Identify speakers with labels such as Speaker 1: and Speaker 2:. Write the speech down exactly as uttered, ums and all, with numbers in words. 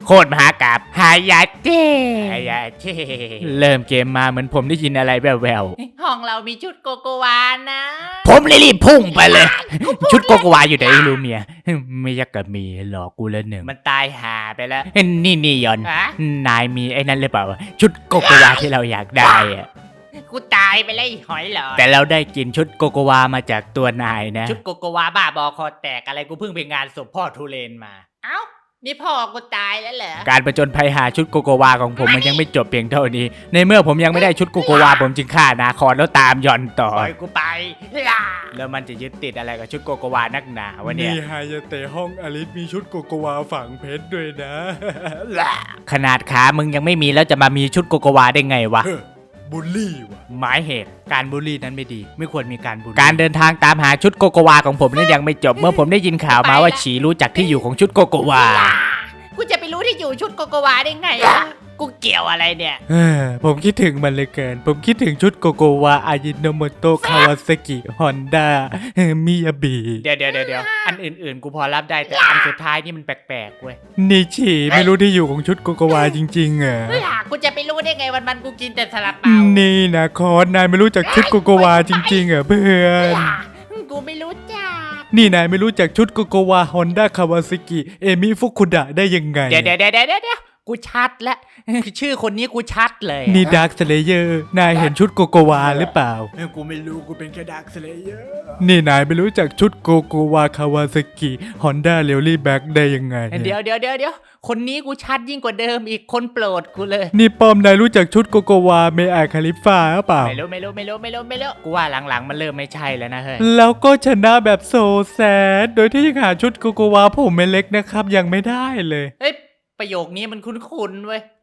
Speaker 1: โคตรมหากาบฮายาเจ้ฮายาเจ้เริ่มเกมมาเหมือนผมได้ยินอะไรแว่วๆ
Speaker 2: ห้องเรามีชุดโกโกวานะ
Speaker 1: ผมเลยรีบพุ่งไปเลย ชุดโกโกวาอยู่ไหนลูเมียไม่อยากกับมีหลอกกูแล้วหนึ่ง
Speaker 2: มันตายหาไปแล้ว
Speaker 1: นี่นี่ยอน
Speaker 2: ฮะ
Speaker 1: นายมีไอ้นั่นหรือเปล่าชุดโกโกวาที่เราอยากได้อะ
Speaker 2: กูตายไปเลยไอ้หอยหลอด
Speaker 1: แต่เราได้กินชุดโกโกวามาจากตัวนายนะ
Speaker 2: ชุดโกโกวาบ้าบอคอแตกอะไรกูเพิ่งไปงานศพพ่อทุเรนมา เอ้านี่พ่อกูตายแล้วเหรอ
Speaker 1: การประจนภัยหาชุดโกโกวาของผมมันยังไม่จบเพียงเท่านี้ ในเมื่อผมยังไม่ได้ชุดโกโกวาผมจึงฆ่านาคอนแล้วตามยอนต่อ
Speaker 2: ปล่อยกูไปล่ะ
Speaker 1: แล้วมันจะยึดติดอะไรกับชุดโกโกวานักหนาวะเนี่ย
Speaker 3: นี่ฮายาเตะห้องอลิสมีชุดโกโกวาฝังเพชรด้วยนะ
Speaker 1: ขนาดขามึงยังไม่มีแล้วจะมามีชุดโกโกวาได้ไงวะ
Speaker 3: เฮ้อบูลลี่ว่ะ
Speaker 1: หมายเหตุการบูลลี่นั้นไม่ดี ไม่ควรมีการบูลลี่การเดินทางตามหาชุดโกโกวาของผมนั้นยังไม่จบ เมื่อผมได้ยินข่าวมาว่าฉีรู้จักที่อยู่ของชุดโกโกวา
Speaker 2: กูจะไปรู้ที่อยู่ชุดโกโกวาได้ไงอะกูเกี่ยวอะไรเนี่ย
Speaker 1: เออผมคิดถึงมันเลยเกิน ผมคิดถึงชุดโกโกวาอายิโนโมโตะคาวาซากิฮอนด้ามิยาบิเดี๋ยวเดี๋ยวเดี๋ยวอันอื่นๆ กูพอรับได้แต่อันสุดท้ายนี่มันแปลกๆเว้ยนี่ฉีไม่รู้ที่อยู่ของชุดโกโกวาจริงๆอ่ะ
Speaker 2: ล่ะกูจะไปรู้ได้ไงวันมันๆกูกินแต่ซาลาเปา
Speaker 1: นี่นะคอนนายไม่รู้จักชุดโกโกวาจริงๆอ่ะเพื่อน
Speaker 2: ล่ะกูไม่รู้จัก
Speaker 1: นี่นายไม่รู้จักชุดโกโกวาฮอนด้าคาวาซากิเอมิฟุคุดะได้ยังไง
Speaker 2: เดี๋ยวเดี๋ยวเดี๋ยวเดี๋ยวเดี๋ยวกูชัดแล้ว ชื่อคนนี้กูชัดเลย
Speaker 1: นี่ดาร์คสเลเยอร์นายเห็นชุดโกโกวาหรือเปล่า
Speaker 3: กูไม่รู้กูเป็นแค่ดักสเลเยอร์
Speaker 1: นี่นายไม่รู้จักชุดโกโกวาคาวาซากิฮอนด้าเรลลี่แบ็กได้ยังไง
Speaker 2: เดี๋ยวเดี๋ยวเดี๋ยวเดี๋ยวคนนี้กูชัดยิ่งกว่าเดิมอีกคนโปรดกูเลย
Speaker 1: นี่ป้อมนายรู้จักชุดโกโกวาเมอาคาลิฟาหรือเปล่า
Speaker 2: ไม่รู้ไม่รู้ไม่รู้ไม่รู้ไม่รู้กูว่าหลังๆมันเริ่มไม่ใช่แล้วนะเฮ้ย
Speaker 1: แล้วก็ชนะแบบโซแซดโดยที่ยังหาชุดโกโกวาผมเล็กนะครับยังไม่ได้เลย
Speaker 2: เฮ้ยประโยคนี้มันคุ้นๆเว้ย